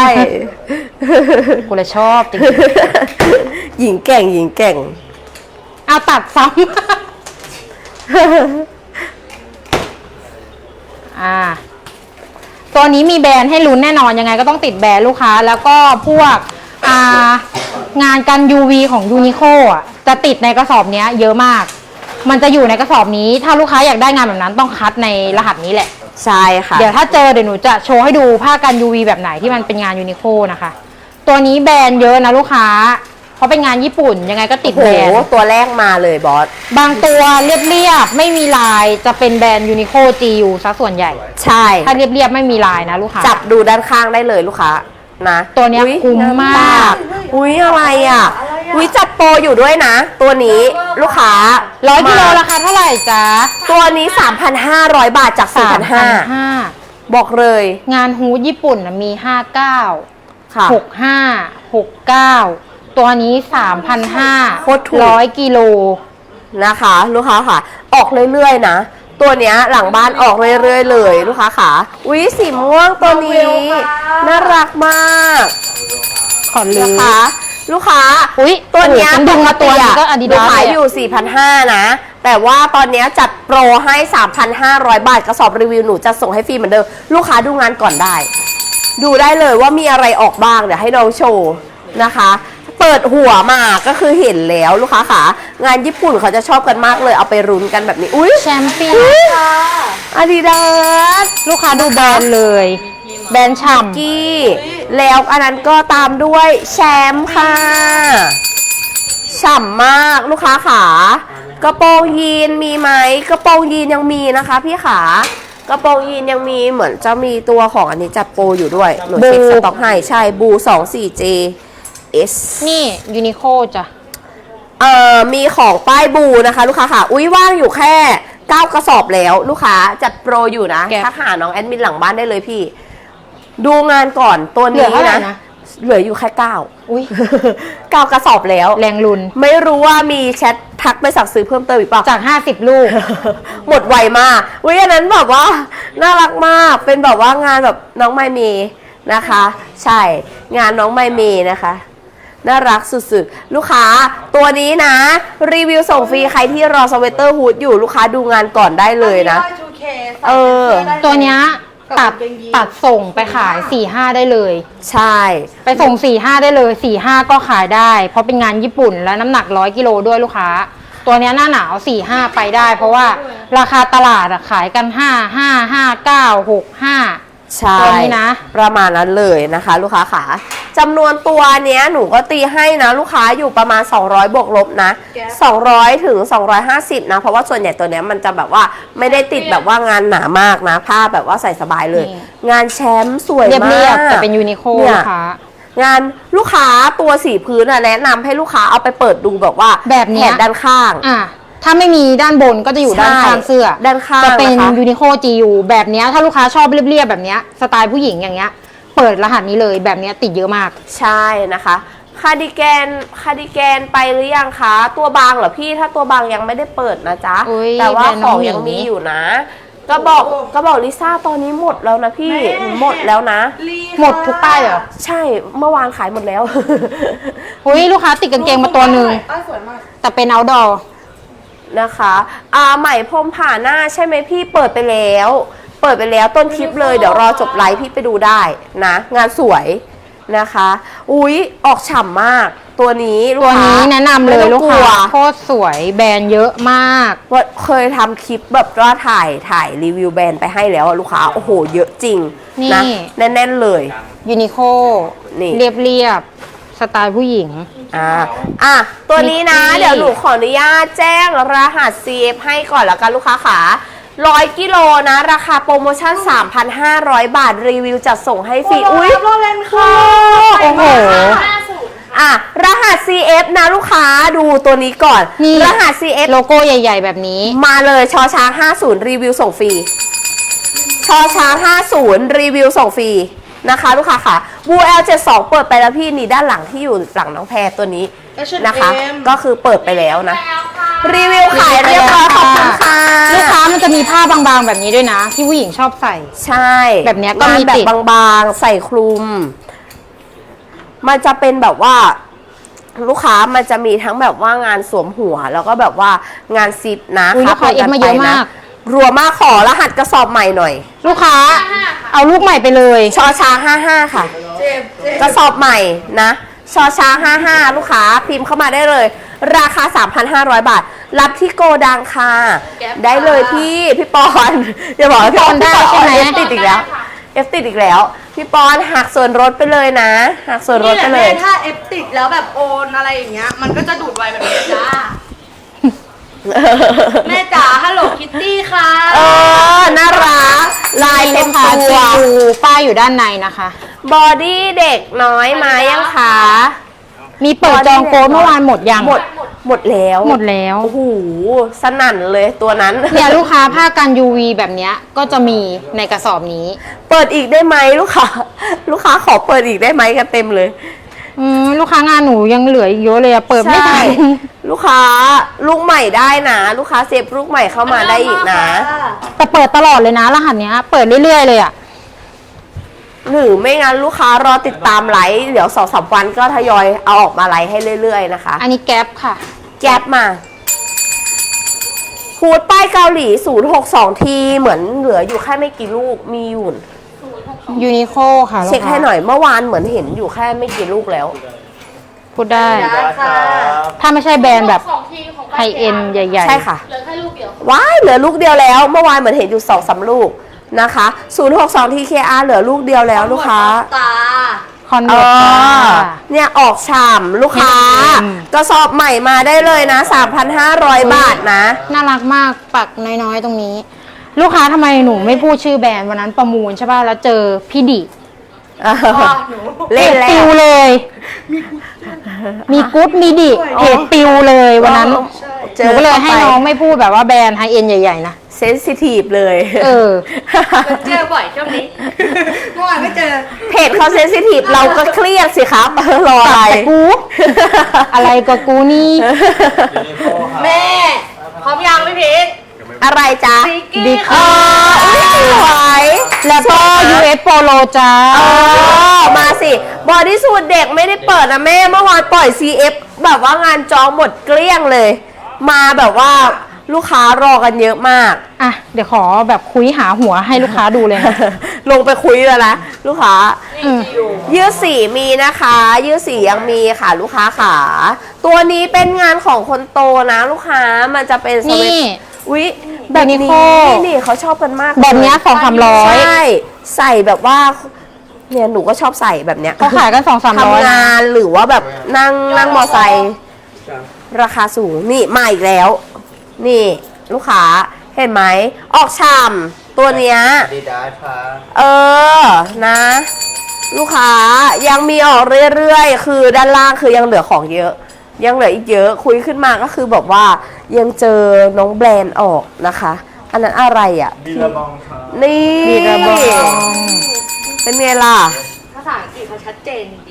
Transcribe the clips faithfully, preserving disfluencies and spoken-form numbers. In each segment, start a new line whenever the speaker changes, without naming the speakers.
กูเลยชอบจริง
หญิงแก่งหญิงแก่ง
เอาตัดซ้ำ อ่าตัวนี้มีแบรนด์ให้ลุ้นแน่นอนยังไงก็ต้องติดแบรนด์ลูกค้าแล้วก็พวกอ่างานกัน ยู วี ของยูนิโคอ่ะจะติดในกระสอบนี้เยอะมากมันจะอยู่ในกระสอบนี้ถ้าลูกค้าอยากได้งานแบบนั้นต้องคัดในรหัสนี้แหละ
ใช่ค่ะ
เดี๋ยวถ้าเจอเดี๋ยวหนูจะโชว์ให้ดูผ้ากัน ยู วี แบบไหนที่มันเป็นงานยูนิโคนะคะตัวนี้แบรนด์เยอะนะลูกค้าเพราะเป็นงานญี่ปุ่นยังไงก็ติดแบรนด์
ตัวแรกมาเลยบอส
บางตัวเรียบๆไม่มีลายจะเป็นแบรนด์ยูนิโค จี ยู ซะส่วนใหญ่
ใช่
ถ้าเรียบๆไม่มีลายนะลูกค้า
จับดูด้านข้างได้เลยลูกค้านะ
ตัวนี้คุ้มมาก
อุ้ยอะไรอ่ะอุ้ยจัดโปรอยู่ด้วยนะตัวนี้ลูกค้า
ร้อยกิโลราคาเท่าไหร่จ๊ะ
ตัวนี้ สามพันห้าร้อย บาทจาก สี่พันห้าร้อย บอกเลย
งานฮูดญี่ปุ่นมีห้าสิบเก้า
ค่ะ
หกสิบห้า หกสิบเก้าตัวนี้ สามพันห้าร้อย กิโล
นะคะลูกค้าค่ะออกเรื่อยๆนะตัวเนี้ยหลังบ้านออกเรื่อยๆเลยลูกค้าค่ะอุ๊ยสีม่วงตัวนี้น่ารักมาก
ขอลืม
นะคะลูกค้า
อุ๊ย
ตัวเนี้ย
ดึงมาตัวนี้ก็อาดิดาส
ขายอยู่ สี่พันห้าร้อย นะแต่ว่าตอนนี้จัดโปรให้ สามพันห้าร้อย บาทกระสอบรีวิวหนูจะส่งให้ฟรีเหมือนเดิมลูกค้าดูงานก่อนได้ดูได้เลยว่ามีอะไรออกบ้างเดี๋ยวให้น้องโชว์นะคะเปิดหัวมาก็คือเห็นแล้วลูกค้าค่ะงานญี่ปุ่นเขาจะชอบกันมากเลยเอาไปรุนกันแบบนี้อุ้ย
แชมเปี้ยน
ค่ะอาดิดาส
ลูกค้าดูแบรนด์เลยแบรนด์ฉ่ำ
กี้แล้วอันนั้นก็ตามด้วยแชมป์ค่ะฉ่ำมากลูกค้าขากระโปรงยีนมีไหมกระโปรงยีนยังมีนะคะพี่ขากระโปรงยีนยังมีเหมือนจะมีตัวของอันนี้จัดโปรอยู่ด้วยหนูเช็คสต็อกให้ใช่บู สองสี่เจS
นี่ยูนิโคจ้ะ
เอ่อมีของป้ายบูนะคะลูกค้าค่ะอุ้ยว่างอยู่แค่เก้ากระสอบแล้วลูกค้าจัดโปรอยู่นะทักหาน้องแอดมินหลังบ้านได้เลยพี่ดูงานก่อนตัวนี้นะเหลืออยู่แค่เก้า
อุ้ย
เก้ากระสอบแล้ว
แรงลุน
ไม่รู้ว่ามีแชททักไปสั่งซื้อเพิ่มเติมอีกเปล่า
จากห้าสิบลูก
หมดไวมากอุ้ยอันนั้นแบบว่าน่ารักมากเป็นแบบว่างานแบบน้องไมเมนะคะใช่งานน้องไมเมนะคะน่ารักสุดๆลูกค้าตัวนี้นะรีวิวส่งฟรีใครที่รอสเวตเตอร์ฮูดอยู่ลูกค้าดูงานก่อนได้เลยนะเออ
ตัวเนี้ยตัดตัดส่งไปขาย สี่ห้า ได้เลย
ใช่
ไปส่ง สี่ห้า ได้เลย สี่ห้า ก็ขายได้เพราะเป็นงานญี่ปุ่นและน้ำหนักร้อยกิโลด้วยลูกค้าตัวเนี้ยหน้าหนาว สี่ห้า ไปได้เพราะว่าราคาตลาดขายกันห้า ห้า ห้า เก้า หก ห้า
ใช่นะประมาณนั้นเลยนะคะลูกค้าขาจำนวนตัวเนี้ยหนูก็ตีให้นะลูกค้าอยู่ประมาณสองร้อยบวกลบนะสองร้อยถึงสองร้อยห้าสิบนะเพราะว่าส่วนใหญ่ตัวเนี้ยมันจะแบบว่าไม่ได้ติดแบบว่างานหนามากนะผ้าแบบว่าใส่สบายเลยงานแชมป์สวยมาก
แต่เป็นยูนิโคลูกค้
างานลูกค้าตัวสีพื้นอะแนะนำให้ลูกค้าเอาไปเปิดดูแบบว่า
แบบนี้
แถบด้านข้าง
อ่ะถ้าไม่มีด้านบนก็จะอยู่ด้านข้างเสื้อ
ด้านข้าง
จะเป็นยูนิโค จี ยู แบบนี้ถ้าลูกค้าชอบเรียบๆแบบนี้สไตล์ผู้หญิงอย่างเงี้ยเปิดรหัสนี้เลยแบบนี้ติดเยอะมาก
ใช่นะคะคาร์ดิแกนคาร์ดิแกนไปหรือยังคะตัวบางเหรอพี่ถ้าตัวบางยังไม่ได้เปิดนะจ๊ะแต่ว่าของยังมีอยู่นะก็บอกก็บอกลิซ่าตอนนี้หมดแล้วนะพี่หมดแล้วนะ
หมดทุกป้ายเหรอ
ใช่เมื่อวานขายหมดแล้ว
หุ้ยลูกค้าติดกางเกงมาตัวหนึ่งแต่เป็นเอาท์ดอร์
นะคะอ่าใหม่พรมผ่าหน้าใช่ไหมพี่เปิดไปแล้วเปิดไปแล้วต้นคลิปเลยเดี๋ยวรอจบไลฟ์พี่ไปดูได้นะงานสวยนะคะอุ๊ยออกฉ่ำมากตัวนี้
ตัวนี้แนะนำเลยลูกค้าโคตรสวยแบรนด์เยอะมาก
ว่าเคยทำคลิปแบบว่าถ่ายถ่ายรีวิวแบรนด์ไปให้แล้วลูกค้าโอ้โหเยอะจริงนะแน่นๆเลย
ยูนิโคเรียบเรียบสไตล์ผู้หญิง
อ่าอ่ะตัวนี้นะเดี๋ยวหนูขออนุญาตแจ้งรหัส ซี เอฟ ให้ก่อนแล้วกันลูกค้าขาร้อยกิโลนะราคาโปรโมชั่น สามพันห้าร้อย บาทรีวิวจัดส่งให้ฟรีอุ้ย
โรเลนค่ะโอ้โห
อ่ะรหัส ซี เอฟ นะลูกค้าดูตัวนี้ก่อนรหัส ซี เอฟ
โลโก้ใหญ่ๆแบบนี้
มาเลยชอช้างห้าสิบรีวิวส่งฟรีชอช้างห้าสิบรีวิวส่งฟรีนะคะลูกค้าค่ะบู แอล เจ็ดสิบสอง เปิดไปแล้วพี่นี่ด้านหลังที่อยู่หลังน้องแพรตัวนี้นะคะก็คือเปิดไปแล้วนะรีวิวขายเรียบร้อยขอบคุณค่ะ
ลูกค้ามันจะมีผ้าบางๆแบบนี้ด้วยนะที่ผู้หญิงชอบใส่
ใช่
แบบนี้ก็มี
แบบบางๆใส่คลุมมันจะเป็นแบบว่าลูกค้ามันจะมีทั้งแบบว่างานสวมหัวแล้วก็แบบว่างานซิปนะ
อุ๊ยลูกค้าเอฟมาเยอะมาก
รัวมากขอรหัสกระสอบใหม่หน่อย
ลูกค้าเอาลูกใหม่ไปเลย
ชอช้างห้าห้าค่ะกระสอบใหม่นะชอช้างห้าห้าลูกค้าพิมพ์เข้ามาได้เลย ราคา สามพันห้าร้อย บาท รับที่โกดังค่ะได้เลยพี่พี่ปอนอย่าบอกว่าพี่ปอนได้ใช่ไหมเอฟติดอีกแล้วเอฟติดอีกแล้วพี่ปอนหักส่วนลดไปเลยนะหักส่วนลดไปเลย
ถ้าเอฟติดแล้วแบบโอนอะไรอย่างเงี้ยมันก็จะดูดไวแบบนี้จ้า แม่จ๋าฮัลโหลคิตตี้ค่ะ
เออน่ารักลายเต็มตัว
ดูป้ายอยู่ด้านในนะคะ
บอดี้เด็กน้อยมายังคะ
มีเปิดจองโค้ดเมื่อวานหมดยัง
หมดหมดแล้ว
หมดแล้ว
โอ้โหสนั่นเลยตัวนั้น
เนี่ยลูกค้าผ้ากัน ยู วี แบบเนี้ยก็จะมีในกระสอบนี้
เปิดอีกได้ไหมลูกค้า ลูกค้าขอเปิดอีกได้ไหมกันเต็มเลย
อืมลูกค้างานหนูยังเหลืออีกเยอะเลยอะเปิดไม่ทัน
ใช่ลูกค้าลูกใหม่ได้นะ ลูกค้าเซฟลูกใหม่เข้ามาได้อีกนะ
แต่เปิดตลอดเลยนะรหัสเนี้ย เปิดเรื่อยๆเลยอะ
หรือไม่งั้นลูกค้ารอติดตามไลฟ์เดี๋ยวสองสามวันก็ทยอยเอาออกมาไลฟ์ให้เรื่อยๆนะคะ
อันนี้แก๊ปค่ะ
แก๊ปมาพูดป้ายเกาหลีศูนย์หกสองทีเหมือนเหลืออยู่แค่ไม่กี่ลูกมีอยู่
ยูนิโคค่ะลูก
เช็ค
ค้า
ให้หน่อยเมื่อวานเหมือนเห็นอยู่แค่ไม่กี่ลูกแล้ว
พูดได้
ได้ค่ะ
ถ้าไม่ใช่แบรนด์แบบ
ของทีของ
ไฮเอ็นใหญ่ๆ
ใช่ค่ะ
เหลือแค่ลูกเดียว
ว้ายเหลือลูกเดียวแล้ว เมื่อวานเหมือนเห็นอยู่สองสามลูกนะคะศูนย์หกสองที เค อาร์ เหลือลูกเดียวแล้วลูกค้า
ตา
คอน
เอ
เวิร์ต
อ
ค่ะ
เนี่ยออกฉ่ำลูกค้า
อืม
กระสอบใหม่มาได้เลยนะ สามพันห้าร้อย บาทนะ
น่ารักมากปักน้อยๆตรงนี้ ลูกค้าทำไมหนูไม่พูดชื่อแบรนด์วันนั้นประมูลใช่ป่ะแล้วเจอพี่ดิ
เล่นแล้
ปิ
ว
วเลย มีกุ๊ดมีดิเพจปิวเลยวันนั้น
เจ
หนู
อ
ก็เลยให้
ข้าไป
น้องไม่พูดแบบว่าแบรนด์ไฮเอ็นใหญ่ๆนะ
เซนซิทีฟเลย
เออ
เจอบ่อยช่วงนี้ เมื่อวานไม่เจอ
เพจเขาเซนซิทีฟเราก็เครียดสิครับ รออะไร
แต่กู อะไรก็กูนี่
แม่พร้อมยังพี่พีท
อะไรจ๊ะ
ซิกกี้
บิ๊ก
เอออุ๊ยสวย
แล้วก็ ยู เอส Polo จ้า
เออมาสิบอดี้สูทเด็กไม่ได้เปิดนะแม่เมื่อวานปล่อย ซี เอฟ แบบว่างานจองหมดเกลี้ยงเลย มาแบบว่าลูกค้ารอกันเยอะมาก
อ่ะ เดี๋ยวขอแบบคุยหาหัวให้ลูกค้าดูเลยนะ
ลงไปคุยแล้วนะลูกค้า
อืม
ยืดสีมีนะคะ ยืดสียังมีค่ะลูกค้าขาตัวนี้เป็นงานของคนโตนะลูกค้ามันจะเป็นส
นี่
วิตวิแบบนี้
Uniqlo
นี่เขาชอบกันมาก
แบบเนี้ย
เลย
สองสามร้อย
ใช่ใส่แบบว่าเนี่ยหนูก็ชอบใส่แบบเนี้ย
เขาขายกันสองสามร้อย
ทำงานหรือว่าแบบนั่งนั่งมอไซค์ราคาสูงนี่มาอีกแล้ว นี่ลูกค้าเห็นไหมออกชามตัวเนี้ย
ดีดาค่ะ
เออ นะ ลูกค้ายังมีออกเรื่อยๆ คือด้านล่างคือยังเหลือของเยอะ ยังเหลืออีกเยอะ คุยขึ้นมาก็คือแบบว่ายังเจอน้องแบรนด์ออกนะคะ อันนั้นอะไรอ่ะ
บีระบองค่ะ
นี่
มีกระบอก
เป็นไงล่ะ
ภาษาอังกฤษเขาชัดเจนจริง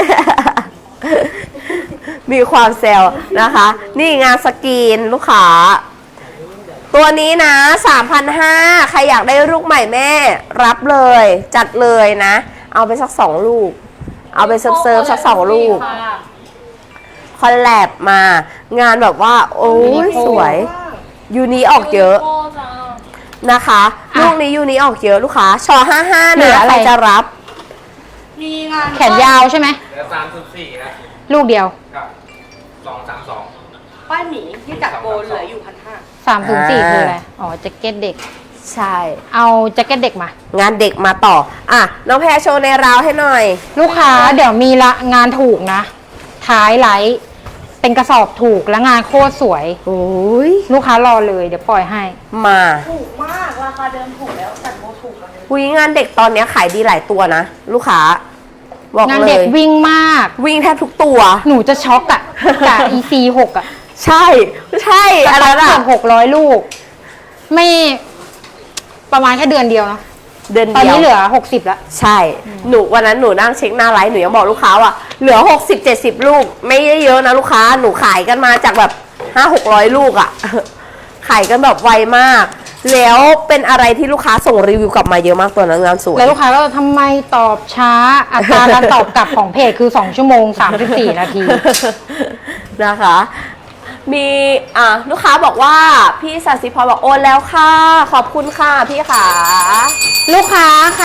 มีความแซวนะคะ นี่งานสกรีนลูกค้า ตัวนี้นะ สามพันห้าร้อย ใครอยากได้ลูกใหม่แม่ รับเลย จัดเลยนะ เอาไปสักสองลูก เอาไปเซิร์ฟเซิร์ฟสักสองลูก คอลแลบมา งานแบบว่า โอ้ยสวย ยูนี้ออกเยอะนะคะ ลูกนี้ยูนี้ออกเยอะลูกค้าชอห้าห้า
เหลื
นะ
ออะไร
ใครจะรับ
มีงาน
แขนยาวใช่ไหม
เหลือสามสิบสี่ครับ
ลูกเดียว
กับสองสามสอง
ป้ายหมีที่จัดโปรเหลืออยู่พันห้า
สามถึงสี่
อ่า
คืออะไร อ๋อแจ็คเก็ตเด็ก
ใช่
เอาแจ็คเก็ตเด็กมา
งานเด็กมาต่อ อ่ะ น้องแพรโชว์ในราวให้หน่อย
ลูกค้าเดี๋ยวมีละงานถูกนะ ท้ายไลท์เป็นกระสอบถูกและงานโคตรสวย
โอ้ย
ลูกค้ารอเลยเดี๋ยวปล่อยให้
มา
ถูกมาก ราคาเดิมถูกแล้วจัดโปรถูกกันเลย
วิงานเด็กตอนเนี้ยขายดีหลายตัวนะ ลูกค้า บอก
งาน
เล
เด็ก
ย
วิ่งมาก
วิ่งแทบทุกตัว
หนูจะช็อกอะกับ อี ซี หกอะ
ใช่ ใช่อะไร
เกื
ล่ะ
อบหกร้อยลูก ไม่ประมาณแค่เดือนเดียวเนาะ
เดือน
ตอน
เดียว
นี้เหลือหกสิบแล้ว
ใช่ หนูวันนั้นหนูนั่งเช็คหน้าไลฟ์หนูยังบอกลูกค้าว่าเหลือหกสิบเจ็ดสิบลูก ไม่ได้เยอะนะลูกค้า หนูขายกันมาจากแบบห้าหกร้อยลูกอะ่ะ ขายกันแบบไวมากแล้วเป็นอะไรที่ลูกค้าส่งรีวิวกลับมาเยอะมากตัวนั้นงานสวย
แล้วลูกค้าก็ทำไมตอบช้า อัตราการตอบกลับของเพจคือ สอง ชั่วโมง สามสิบสี่ นาที
นะคะ มีอ่ะลูกค้าบอกว่าพี่สัสิพรบอกโอนแล้วค่ะ ขอบคุณค่ะพี่ขา
ลูกค้า